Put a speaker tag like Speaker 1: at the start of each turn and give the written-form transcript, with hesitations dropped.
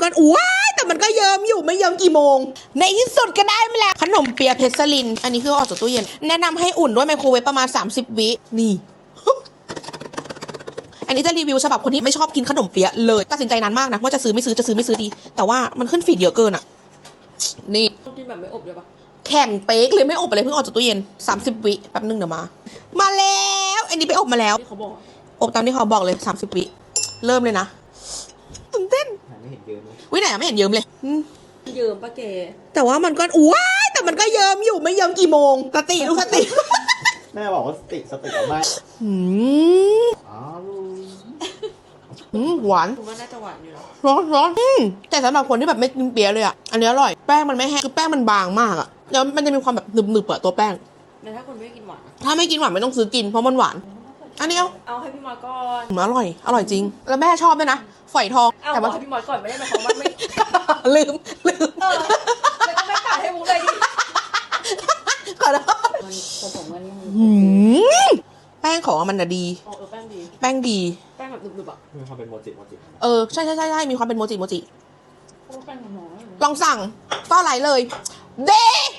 Speaker 1: ว้ายแต่มันก็เยิ้มอยู่ไม่เยิ้มกี่โมงในที่สุดก็ได้มาแล้วขนมเปี๊ยะเพชรลินอันนี้คือออกจากตู้เย็นแนะนำให้อุ่นด้วยไมโครเวฟประมาณ30 วินี่ อันนี้จะรีวิวฉบับคนที่ไม่ชอบกินขนมเปี๊ยะเลยตัดสินใจนานมากนะว่าจะซื้อไม่ซื้อดีแต่ว่ามันขึ้นฟีดเยอะเกินอ่ะนี่
Speaker 2: ต้องกินแบบไม่อบเลยปะ
Speaker 1: แข็งเป๊กเลยไม่อบอะไรเพิ่งออกจากตู้เย็น30 วิแป๊บนึงเดี๋ยวมาแล้วอันนี้ไปอบมาแล้ว
Speaker 2: ที่เขาบอก
Speaker 1: อบตามที่เขาบอกเลย30 วิเริ่มเลยนะตื่นเต้น
Speaker 3: ไม่เห็นเยอะเลย
Speaker 1: วิไหนไม่เห็นเยิ้มเลย
Speaker 2: เยิ้มปะแก
Speaker 1: แต่ว่ามันก็ว้ายแต่มันก็เยิ้มอยู่ไม่เยิ้มกี่โมงสติลูกสติ
Speaker 3: แม่บอกว่าสติเอาไม่อ๋อ
Speaker 1: หวาน
Speaker 2: คุณว่าน่าจะหวานอยู่แล้ว
Speaker 1: ร้อนแต่สำหรับคนที่แบบไม่กินเปี๊ยะเลยอ่ะอันนี้อร่อยแป้งมันไม่แห้งคือแป้งมันบางมากอ่ะแล้วมันจะมีความแบบหนึบๆอะตัวแป้ง
Speaker 2: แต่ถ้าคนไม่กินหวาน
Speaker 1: ถ้าไม่กินหวานไม่ต้องซื้อกินเพราะมันหวานอันนี้
Speaker 2: เอาให้พี่มอก่อน
Speaker 1: อร่อยจริงแล้วแม่ชอบด้วยนะฝอยทอง
Speaker 2: เอา
Speaker 1: แต่ว่า
Speaker 2: ให้พี่มอก่อนไม่ได้หมายความว่าไม่
Speaker 1: ลืม
Speaker 2: แล้วก็ไม่ตัดให้มุกเลยดิ
Speaker 1: ขอโทษ
Speaker 2: มันผสมกันนี่
Speaker 1: แป้งของมันน่ะดี
Speaker 2: แป้งดี
Speaker 1: แป้งดี
Speaker 2: แป้งแบบหนึบๆอ่ะ
Speaker 3: มีความเป็นโมจิ
Speaker 1: ใช่มีความเป็นโมจิ
Speaker 2: แป้งน้อย
Speaker 1: ลองสั่งก็อะไรเลยเด้